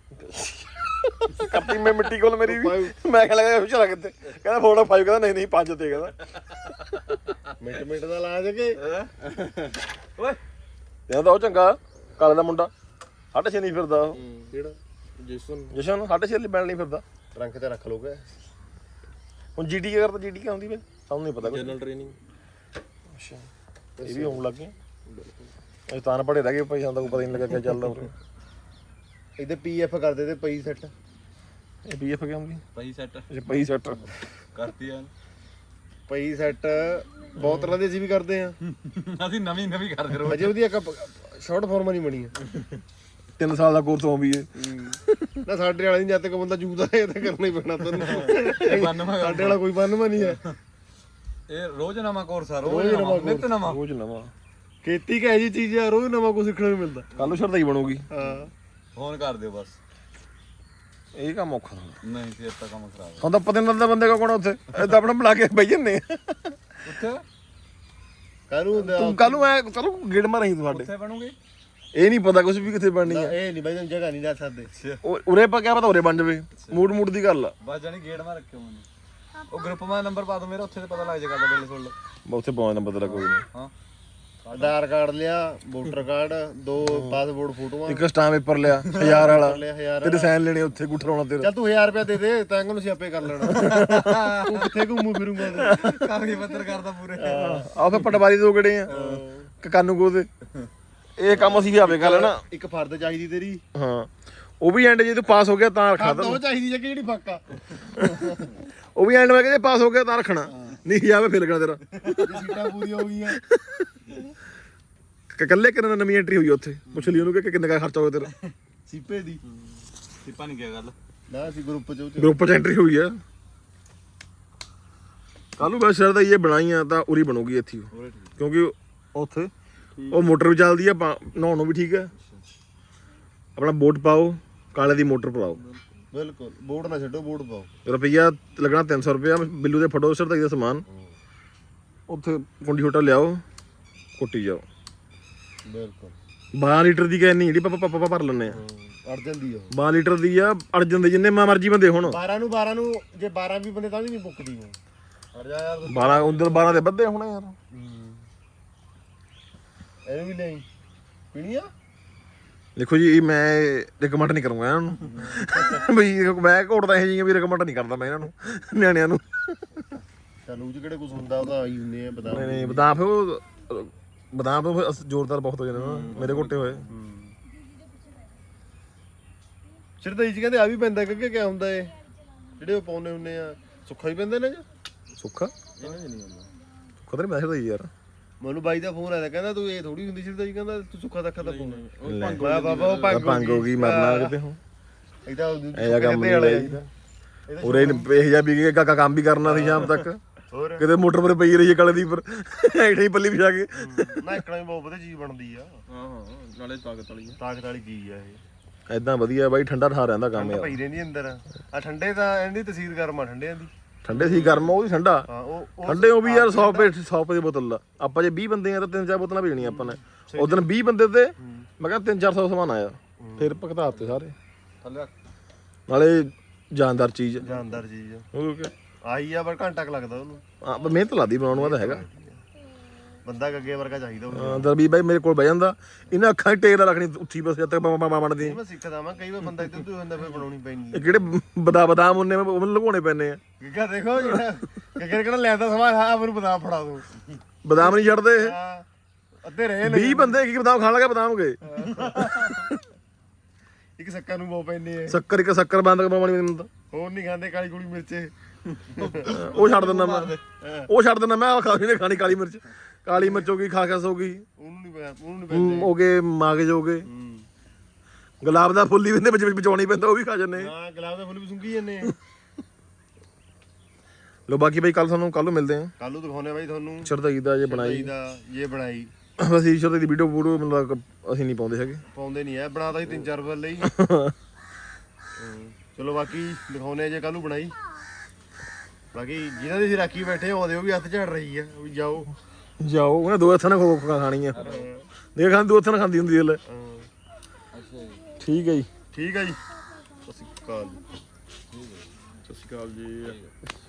[SPEAKER 2] ਕੱਪੀ ਮੈਂ ਮਿੱਟੀ ਕੋਲ ਮੇਰੀ ਵੀ ਮੈਂ ਕਿਹਾ ਲੱਗਾ ਚਲਾ ਕਿੱਥੇ ਕਹਿੰਦਾ ਫੋਟੋ ਫਾਈਵ ਕਹਿੰਦਾ ਨਹੀਂ ਨਹੀਂ ਪੰਜ ਤੇ ਕਹਿੰਦਾ
[SPEAKER 1] ਮਿੰਟ ਮਿੰਟ ਦਾ ਲਾ ਸਕੇ
[SPEAKER 2] ਓਏ ਤੇ ਤਾਂ ਉਹ ਚੰਗਾ ਕਾਲੇ ਦਾ ਮੁੰਡਾ ਸਾਢੇ ਛੇ ਨਹੀਂ ਫਿਰਦਾ ਉਹ
[SPEAKER 1] ਕਿਹੜਾ
[SPEAKER 4] ਜਿਸਨ
[SPEAKER 2] ਜਸ਼ਨ ਸਾਢੇ ਛੇ ਲਈ ਬੈਣ ਨਹੀਂ ਫਿਰਦਾ
[SPEAKER 1] ਟਰੰਕ ਤੇ ਰੱਖ ਲੋਗੇ
[SPEAKER 2] ਹੁਣ ਜੀਟੀ ਕੀ ਕਰਦਾ ਜੀਟੀ ਕੀ ਹੁੰਦੀ ਵੇ ਸਾਨੂੰ ਨਹੀਂ ਪਤਾ ਕੁਛ
[SPEAKER 4] ਜਨਰਲ ਟ੍ਰੇਨਿੰਗ
[SPEAKER 2] ਅੱਛਾ ਇਹ ਵੀ ਹੋਣ ਲੱਗ ਗਏ ਇਹ ਤਾਂ ਨਾ ਪੜੇ ਰਹਿ ਗਏ ਭਾਈ ਸਾਨੂੰ ਤਾਂ ਕੋਈ ਪਤਾ ਨਹੀਂ ਲੱਗਾ ਕੀ ਚੱਲਦਾ ਉਰੇ
[SPEAKER 1] ਇਹਦੇ ਪੀਐਫ ਕਰਦੇ ਤੇ ਪਈ ਸੈੱਟ
[SPEAKER 2] ਇਹ ਪੀਐਫ ਕੀ ਹੁੰਦੀ
[SPEAKER 4] ਪਈ ਸੈੱਟ
[SPEAKER 2] ਇਹ ਪਈ ਸੈਟ
[SPEAKER 4] ਕਰਤੀ ਆ
[SPEAKER 1] ਪਈ ਸੈੱਟ ਬਹੁਤ ਤਰ੍ਹਾਂ ਦੇ ਅਸੀਂ ਵੀ ਕਰਦੇ ਆ
[SPEAKER 4] ਅਸੀਂ ਨਵੀਂ ਨਵੀਂ ਕਰਦੇ ਰੋ
[SPEAKER 1] ਅਜੇ ਉਹਦੀ ਇੱਕ ਸ਼ਾਰਟ ਫਾਰਮ ਨਹੀਂ ਬਣੀ ਆ
[SPEAKER 2] ਤਿੰਨ ਸਾਲ ਦਾ ਕੋਰਸ ਹੋ ਵੀ ਹੈ
[SPEAKER 1] ਨਾ ਸਾਡੇ ਵਾਲੇ ਨਹੀਂ ਜਦ ਤੱਕ ਬੰਦਾ ਜੂਦਾ ਇਹ ਤਾਂ ਕਰਨਾ ਹੀ ਪੈਣਾ ਤੈਨੂੰ ਸਾਡੇ ਵਾਲਾ ਕੋਈ ਬੰਨਵਾ ਨਹੀਂ ਹੈ
[SPEAKER 4] ਇਹ ਰੋਜ਼ ਨਵਾਂ ਕੋਰਸ ਆ
[SPEAKER 1] ਰੋਜ਼
[SPEAKER 4] ਰੋਜ਼
[SPEAKER 1] ਨਵਾਂ
[SPEAKER 4] ਨਵਾਂ ਨਿਤ ਨਵਾਂ
[SPEAKER 2] ਰੋਜ਼ ਨਵਾਂ
[SPEAKER 1] ਖੇਤੀ ਕਹੇ ਜੀ ਚੀਜ਼ ਆ ਰੋਜ਼ ਨਵਾਂ ਕੁਝ ਸਿੱਖਣ ਨੂੰ ਮਿਲਦਾ
[SPEAKER 2] ਕੱਲ ਨੂੰ ਸ਼ਰਦਾਈ ਬਣੂਗੀ
[SPEAKER 1] ਹਾਂ
[SPEAKER 4] ਫੋਨ ਕਰ ਦਿਓ ਬਸ
[SPEAKER 2] ਇਹ ਕੰਮ ਔਖਾ
[SPEAKER 4] ਨਹੀਂ ਫੇਰ ਤਾਂ ਕੰਮ ਖਰਾਬ
[SPEAKER 2] ਹੁਣ ਤਾਂ ਪਤਾ ਨਹੀਂ ਲੱਗਦਾ ਬੰਦੇ ਕੋ ਕੋਣ ਉੱਥੇ ਇਹ ਤਾਂ ਆਪਣਾ ਬੁਲਾ ਕੇ ਬਈ ਜੰਨੇ
[SPEAKER 4] ਉੱਥੇ
[SPEAKER 1] ਕਾਹਨੂੰ ਹੁੰਦਾ
[SPEAKER 2] ਤੂੰ ਕੱਲ ਨੂੰ ਐ ਚਲੋ ਗੇੜ ਮਾਰੀ ਤੂੰ ਸਾਡੇ
[SPEAKER 4] ਉੱਥੇ ਬਣੂਗੇ
[SPEAKER 2] ਇਹ ਨਹੀਂ ਪਤਾ ਕੁਝ ਵੀ ਕਿੱਥੇ ਬਣਨੀ ਆ
[SPEAKER 1] ਇਹ ਨਹੀਂ ਬਾਈ ਤੈਨੂੰ ਜਗ੍ਹਾ ਨਹੀਂ ਦੱਸ ਸਕਦੇ
[SPEAKER 2] ਉਹ- ਉਰੇ ਪਾ ਕਿਆ ਪਤਾ ਉਰੇ ਬਣ ਜਾਵੇ ਮੂਡ ਮੂਡ ਦੀ ਗੱਲ ਆ
[SPEAKER 4] ਬਸ ਜਾਨੀ ਗੇਟ ਮਾ ਰੱਖਿਓ ਮੈਨੂੰ ਉਹ ਗਰੁੱਪ ਮਾ ਨੰਬਰ ਪਾ ਦੋ ਮੇਰਾ ਉੱਥੇ ਤੇ ਪਤਾ ਲੱਗ ਜਾਏਗਾ ਬਿੱਲ ਸੁਣ ਲਓ
[SPEAKER 2] ਮੈਂ ਉੱਥੇ ਪਹੁੰਚ ਨੰਬਰ ਤੇਰਾ ਕੋਈ ਨਹੀਂ
[SPEAKER 4] ਹਾਂ
[SPEAKER 1] ਆਧਾਰ ਕਾਰਡ ਲਿਆ ਵੋਟਰ ਕਾਰਡ ਦੋ ਪਾਸਪੋਰਟ ਫੋਟੋਆਂ
[SPEAKER 2] ਇੱਕ ਸਟਾਮ ਪੇਪਰ ਲਿਆ ਹਜ਼ਾਰ ਵਾਲਾ
[SPEAKER 1] ਲਿਆ ਹਜ਼ਾਰ
[SPEAKER 2] ਤੇਰੇ ਸਾਈਨ ਲੈਣੇ ਉੱਥੇ ਗੁੱਠ ਲਾਉਣਾ ਤੇਰਾ
[SPEAKER 1] ਚੱਲ ਤੂੰ ਹਜ਼ਾਰ ਰੁਪਇਆ ਦੇ ਦੇ ਤਾਂ ਨੂੰ ਸਿਆਪੇ ਕਰ ਲੈਣਾ ਤੂੰ ਕਿੱਥੇ ਘੁੰਮੂ ਫਿਰੂੰਗਾ ਤੂੰ
[SPEAKER 4] ਕਾਗਜ਼ ਪੱਤਰ ਕਰਦਾ ਪੂਰੇ
[SPEAKER 2] ਆਹ ਫੇ ਪਟਵਾਰੀ ਦੋ ਗੜੇ ਆ ਕਾਨੂੰ ਕੋ ਦੇ ਇਹ ਕੰਮ ਅਸੀਂ ਵੀ ਆਵੇ ਕਰ ਲੈਣਾ
[SPEAKER 1] ਇੱਕ ਫਰਦ ਚਾਹੀਦੀ ਤੇਰੀ
[SPEAKER 2] ਹਾਂ ਉਹ ਵੀ ਐਂਡ ਜੇ ਤੂੰ ਪਾਸ ਹੋ ਗਿਆ ਤਾਂ ਰੱਖਣਾ
[SPEAKER 1] ਫਰਦ ਉਹ ਚਾਹੀਦੀ ਜੇ ਜਿਹੜੀ ਫੱਕਾ
[SPEAKER 2] ਉਹ ਵੀ ਐਂਡ ਮੈਂ ਕਹਿੰਦੇ ਪਾਸ ਹੋ ਗਿਆ ਤਾਂ ਰੱਖਣਾ ਨਹੀਂ ਜਾਵੇ ਫਿਰ ਲੱਗਣਾ ਤੇਰਾ
[SPEAKER 1] ਜੇ ਸੀਟਾਂ ਪੂਰੀਆਂ ਹੋ ਗਈਆਂ
[SPEAKER 2] ਕਿ ਇਕੱਲੇ ਕਿੰਨੇ ਨਵੀਂ ਐਂਟਰੀ ਹੋਈ ਉੱਥੇ ਪੁੱਛ ਲਈ ਉਹਨੂੰ ਕਿ ਕਿੰਨੇ ਦਾ ਖਰਚਾ ਹੋਇਆ ਤੇਰਾ
[SPEAKER 1] ਸੀਪੇ ਦੀ
[SPEAKER 4] ਸਿੱਪਾ ਨਹੀਂ ਕੀ ਗੱਲ
[SPEAKER 1] ਨਾ ਅਸੀਂ ਗਰੁੱਪ ਚ ਉਹ ਚ
[SPEAKER 2] ਗਰੁੱਪ ਚ ਐਂਟਰੀ ਹੋਈ ਆ ਕੱਲ ਨੂੰ ਬਸ ਸ਼ਰਦਾ ਇਹ ਬਣਾਈਆਂ ਤਾਂ ਉਰੀ ਬਣੂਗੀ ਇੱਥੇ ਉਹ। ਕਿਉਂਕਿ ਉੱਥੇ ਉਹ ਮੋਟਰ ਵੀ ਚੱਲਦੀ ਆ ਨਹਾਉਣ ਨੂੰ ਵੀ ਠੀਕ ਆ ਆਪਣਾ ਬੋਟ ਪਾਓ ਕਾਲੇ ਦੀ ਮੋਟਰ ਪਾਓ
[SPEAKER 1] ਬਿਲਕੁਲ ਬੋਰਡ ਨਾ ਛੱਡੋ ਬੋਰਡ ਪਾਓ
[SPEAKER 2] ਰੁਪਈਆ ਲੱਗਣਾ ਤਿੰਨ ਸੌ ਰੁਪਇਆ ਬਿੱਲੂ ਦੇ ਫਟੋ ਸ਼ਰਦਾਈ ਦਾ ਸਮਾਨ ਉੱਥੇ ਕੁੰਡੀ ਛੋਟਾ ਲਿਆਓ ਕੁੱਟੀ ਜਾਓ
[SPEAKER 1] ਬਿਲਕੁਲ
[SPEAKER 2] ਬਾਰਾਂ ਲੀਟਰ ਦੀ ਕੈਨੀ ਜਿਹੜੀ ਪਾਪਾ ਪਾਪਾ ਭਰ ਲੈਂਦੇ ਆ
[SPEAKER 1] ਅੜ ਜਾਂਦੀ ਉਹ
[SPEAKER 2] ਬਾਰਾਂ ਲੀਟਰ ਦੀ ਆ ਅੜ ਜਾਂਦੇ ਜਿੰਨੇ ਮਰਜੀ ਬੰਦੇ ਹੁਣ
[SPEAKER 1] ਬਾਰਾਂ ਨੂੰ ਬਾਰਾਂ ਨੂੰ ਜੇ ਬਾਰਾਂ ਵੀ ਬੰਦੇ ਤਾਂ ਵੀ ਨਹੀਂ ਮੁੱਕਦੀ ਉਹ ਅੜ ਜਾ ਯਾਰ
[SPEAKER 2] ਬਾਰਾਂ ਉਧਰ ਬਾਰਾਂ ਦੇ ਵੱਧੇ ਹੋਣੇ ਯਾਰ
[SPEAKER 1] ਇਹਨੂੰ ਵੀ ਨਹੀਂ ਪੀਣੀ ਆ
[SPEAKER 2] ਦੇਖੋ ਜੀ ਇਹ ਮੈਂ ਰਿਕਮੈਂਡ ਨਹੀਂ ਕਰੂੰਗਾ ਇਹਨਾਂ ਨੂੰ ਬਈ ਮੈਂ ਘੋੜਦਾ ਇਹ ਜਿਹੀਆਂ ਵੀ ਰਿਕਮੈਂਡ ਨਹੀਂ ਕਰਦਾ ਮੈਂ ਇਹਨਾਂ ਨੂੰ ਨਿਆਣਿਆਂ ਨੂੰ
[SPEAKER 1] ਚੱਲ ਉਹ ਚ ਕਿਹੜੇ ਕੁਝ ਹੁੰਦਾ ਉਹ ਤਾਂ ਆਈ ਹੁੰਦੇ ਆ ਬਤਾ
[SPEAKER 2] ਨਹੀਂ ਨਹੀਂ ਬਦਾਮ ਫਿਰ ਉਹ ਬਦਾਮ ਫਿਰ ਅਸ- ਜ਼ੋਰਦਾਰ ਬਹੁਤ ਹੋ ਜਾਂਦੇ ਨਾ ਮੇਰੇ ਘੋਟੇ ਹੋਏ
[SPEAKER 1] ਸ਼ਰਦਾਈ ਚ ਕਹਿੰਦੇ ਆ ਵੀ ਪੈਂਦਾ ਕਿ ਕਿਆ ਹੁੰਦਾ ਏ ਜਿਹੜੇ ਉਹ ਪਾਉਨੇ ਹੁੰਨੇ ਆ ਸੁੱਖਾ ਹੀ ਪੈਂਦਾ ਨਾ ਜੀ
[SPEAKER 2] ਸੁੱਖਾ
[SPEAKER 4] ਇਹਨਾਂ ਜੀ ਨਹੀਂ ਆਉਂਦਾ
[SPEAKER 2] ਸੁੱਖਾ ਤਾਂ ਨਹੀਂ ਮੈਂ ਸ਼ਰਦਾਈ ਯਾਰ
[SPEAKER 1] ਮੈਨੂੰ ਬਾਈ ਦਾ ਫੋਨ ਆਇਆ ਕਹਿੰਦਾ ਤੂੰ ਇਹ ਥੋੜੀ ਹੁੰਦੀ ਸ਼ਰਦਾਈ ਕਹਿੰਦਾ ਤੂੰ ਸੁੱਖਾ ਦੱਖਾ ਦਾ ਫੋਨ
[SPEAKER 4] ਉਹ
[SPEAKER 2] ਲੈ।
[SPEAKER 4] ਭੰਗ
[SPEAKER 1] ਮੈਂ ਬਾਬਾ ਉਹ
[SPEAKER 2] ਮੈਂ
[SPEAKER 1] ਭੰਗ
[SPEAKER 2] ਭੰਗ ਹੋ ਗਈ ਮਰਨਾ ਕਿਤੇ ਹੁਣ
[SPEAKER 1] ਇਹਦਾ
[SPEAKER 2] ਇਹ ਜਿਹਾ ਕੰਮ ਨਹੀਂ ਲਾਈਦਾ ਉਰੇ ਇਹ ਜਿਹਾ ਵੀ ਕਿ ਕਾਕਾ ਕੰਮ ਵੀ ਕਰਨਾ ਸੀ ਸ਼ਾਮ ਤੱਕ
[SPEAKER 1] ਹੋਰ
[SPEAKER 2] ਕਿਤੇ ਮੋਟਰ ਪਰ ਪਈ ਰਹੀ ਹੈ ਕਾਲੇ ਦੀ ਪਰ ਐਡੇ ਹੀ ਪੱਲੀ ਵਿਛਾ ਕੇ
[SPEAKER 1] ਨਾ ਇਕਣਾ ਵੀ ਬਹੁਤ ਵਧੀਆ ਚੀਜ਼ ਬਣਦੀ ਆ
[SPEAKER 4] ਹਾਂ ਹਾਂ ਨਾਲੇ ਤਾਕਤ ਵਾਲੀ ਆ
[SPEAKER 1] ਤਾਕਤ ਵਾਲੀ ਚੀਜ਼ ਆ ਇਹ
[SPEAKER 2] ਐਦਾਂ ਵਧੀਆ ਬਾਈ ਠੰਡਾ ਠਾ ਰਹਿੰਦਾ ਕੰਮ ਯਾਰ
[SPEAKER 1] ਪਈ ਰਹਿੰਦੀ ਅੰਦਰ ਆ ਠੰਡੇ ਤਾਂ ਇਹਦੀ ਤਸੀਰ ਗਰਮ ਆ ਠੰਡਿਆਂ ਦੀ
[SPEAKER 2] ਠੰਡੇ ਸੀ ਗਰਮ ਉਹ ਵੀ ਠੰਡਾ
[SPEAKER 1] ਹਾਂ ਉਹ ਉਹ
[SPEAKER 2] ਠੰਡੇ ਉਹ ਵੀ ਯਾਰ ਸੌ ਰੁਪਏ ਸੌ ਰੁਪਏ ਦੀ ਬੋਤਲ ਦਾ ਆਪਾਂ ਜੇ ਵੀਹ ਬੰਦੇ ਆ ਤਾਂ ਤਿੰਨ ਚਾਰ ਬੋਤਲਾਂ ਭੇਜਣੀਆਂ ਆਪਾਂ ਨੇ ਉਦੋਂ ਵੀਹ ਬੰਦੇ ਤੇ ਮੈਂ ਕਿਹਾ ਤਿੰਨ ਚਾਰ ਸੌ ਸਮਾਨ ਆਇਆ ਫਿਰ ਭਗਤਾ ਦਿੱਤੇ ਸਾਰੇ
[SPEAKER 4] ਥੱਲੇ
[SPEAKER 2] ਨਾਲੇ ਜਾਨਦਾਰ ਚੀਜ਼
[SPEAKER 1] ਜਾਨਦਾਰ ਚੀਜ਼
[SPEAKER 2] ਉਹ ਕਿ
[SPEAKER 1] ਆਈ ਆ ਪਰ ਘੰਟਾ ਕ ਲੱਗਦਾ ਉਹਨੂੰ
[SPEAKER 2] ਹਾਂ ਪਰ ਮਿਹਨਤ ਲਾਦੀ ਬਣਾਉਣ ਨੂੰ ਤਾਂ ਹੈਗਾ
[SPEAKER 1] ਬੰਦਾ ਗੱਗੇ ਵਰਗਾ ਚਾਹੀਦਾ ਉਹ।
[SPEAKER 2] ਹਾਂ, ਦਰਬੀ ਬਾਈ ਮੇਰੇ ਕੋਲ ਬਹਿ ਜਾਂਦਾ, ਇਹਨਾਂ ਅੱਖਾਂ 'ਚ ਟੇਕ ਨਾ ਰੱਖਣੀ ਉੱਥੀ ਬਸ ਜਦ ਤੱਕ ਮਾਮਾ ਬਣਦੀ।
[SPEAKER 1] ਮੈਂ ਸਿੱਖਦਾ ਵਾਂ, ਕਈ ਵਾਰ ਬੰਦਾ ਇੱਧਰ ਤੋਂ ਹੁੰਦਾ ਫਿਰ ਬਣਾਉਣੀ ਪੈਣੀ
[SPEAKER 2] ਇਹ ਕਿਹੜੇ ਬਦਾ ਬਦਾਮ ਉਹਨੇ ਉਹ ਲੁਕਾਉਣੇ ਪੈਣੇ ਆ।
[SPEAKER 1] ਗੱਗਾ ਦੇਖੋ ਜਿਹੜਾ ਗੱਗੇ ਕਿਹੜਾ ਲੈਂਦਾ ਸਮਾਂ ਹਾਂ ਮੈਨੂੰ ਬਦਾਮ ਫੜਾ ਦੋ।
[SPEAKER 2] ਬਦਾਮ ਨਹੀਂ ਛੱਡਦੇ ਇਹ,
[SPEAKER 1] ਹਾਂ, ਅੱਧੇ ਰਹੇ ਨੇ
[SPEAKER 2] ਵੀਹ ਬੰਦੇ ਕੀ ਬਦਾਮ ਖਾਣ ਲੱਗੇ ਬਦਾਮ ਗਏ।
[SPEAKER 1] ਇੱਕ ਸੱਕਰ ਨੂੰ ਬਹੁ ਪੈਂਦੇ ਆ,
[SPEAKER 2] ਸ਼ੱਕਰ ਇੱਕ ਸ਼ੱਕਰ ਬੰਦ ਕਰਵਾਉਣੀ ਮੈਨੂੰ ਤਾਂ
[SPEAKER 1] ਹੋਰ ਨਹੀਂ ਖਾਂਦੇ ਕਾਲੀ ਕੁਲੀ ਮਿਰਚੇ।
[SPEAKER 2] ਉਹ ਛੱਡ ਦਿੰਦਾ ਮੈਂ, ਉਹ ਛੱਡ ਦਿੰਦਾ ਮੈਂ, ਖਾਣੀ ਨੇ ਖਾਣੀ ਕਾਲੀ ਮਿਰਚ, ਕਾਲੀ ਮਿਰਚ ਹੋ ਗਈ, ਖਾਕਸ ਹੋ ਗਈ,
[SPEAKER 1] ਉਹਨੂੰ ਨਹੀਂ ਉਹਨੂੰ ਨਹੀਂ ਪੈਂਦੇ।
[SPEAKER 2] ਹੋ ਗਏ ਮਾਗਜ ਹੋ ਗਏ,
[SPEAKER 1] ਹੂੰ
[SPEAKER 2] ਗੁਲਾਬ ਦਾ ਫੁੱਲ ਹੀ ਬੰਦੇ ਵਿੱਚ ਬਚਾਉਣੀ ਪੈਂਦਾ, ਉਹ ਵੀ ਖਾ ਜਾਂਦੇ।
[SPEAKER 1] ਹਾਂ ਗੁਲਾਬ ਦਾ ਫੁੱਲ ਵੀ ਸੁੰਗੀ ਜਾਂਦੇ ਆ।
[SPEAKER 2] ਲੋ ਬਾਕੀ ਬਾਈ ਕੱਲ ਸਾਨੂੰ ਕੱਲ ਨੂੰ ਮਿਲਦੇ ਆ।
[SPEAKER 1] ਕੱਲ ਨੂੰ ਦਿਖਾਉਣੇ ਬਾਈ ਤੁਹਾਨੂੰ
[SPEAKER 2] ਸ਼ਰਦਾਈ ਦਾ ਜੇ ਬਣਾਈ
[SPEAKER 1] ਦਾ ਇਹ ਬਣਾਈ।
[SPEAKER 2] ਅਸੀਂ ਸ਼ਰਦਾਈ ਦੀ ਵੀਡੀਓ ਵੀਡੀਓ ਮਤਲਬ ਅਸੀਂ ਨਹੀਂ ਪਾਉਂਦੇ ਹੈਗੇ,
[SPEAKER 1] ਪਾਉਂਦੇ ਨਹੀਂ ਆ, ਬਣਾਤਾ ਸੀ ਤਿੰਨ ਚਾਰ ਵਾਰ ਲਈ। ਚਲੋ ਬਾਕੀ ਦਿਖਾਉਣੇ ਜੇ ਕੱਲ ਨੂੰ ਬਣਾਈ। ਬਾਕੀ ਜਿਹਨਾਂ ਦੀ ਅਸੀਂ ਰਾਖੀ ਬੈਠੇ ਆਉਂਦੇ ਉਹ ਵੀ ਹੱਥ ਝੜ ਰਹੀ ਆ, ਉਹ ਵੀ ਜਾਓ
[SPEAKER 2] ਜਾਓ ਉਹਨੇ ਦੋ ਹੱਥਾਂ ਨਾਲ ਖੋ ਖਾ ਖਾਣੀ ਆ, ਦੇਖ ਖਾਂ ਦੋ ਹੱਥਾਂ ਨਾਲ ਖਾਂਦੀ ਹੁੰਦੀ ਹਲੇ। ਠੀਕ ਹੈ ਜੀ,
[SPEAKER 1] ਠੀਕ ਹੈ ਜੀ। ਸਤਿ ਸ਼੍ਰੀ ਅਕਾਲ, ਸਤਿ ਸ਼੍ਰੀ ਅਕਾਲ ਜੀ।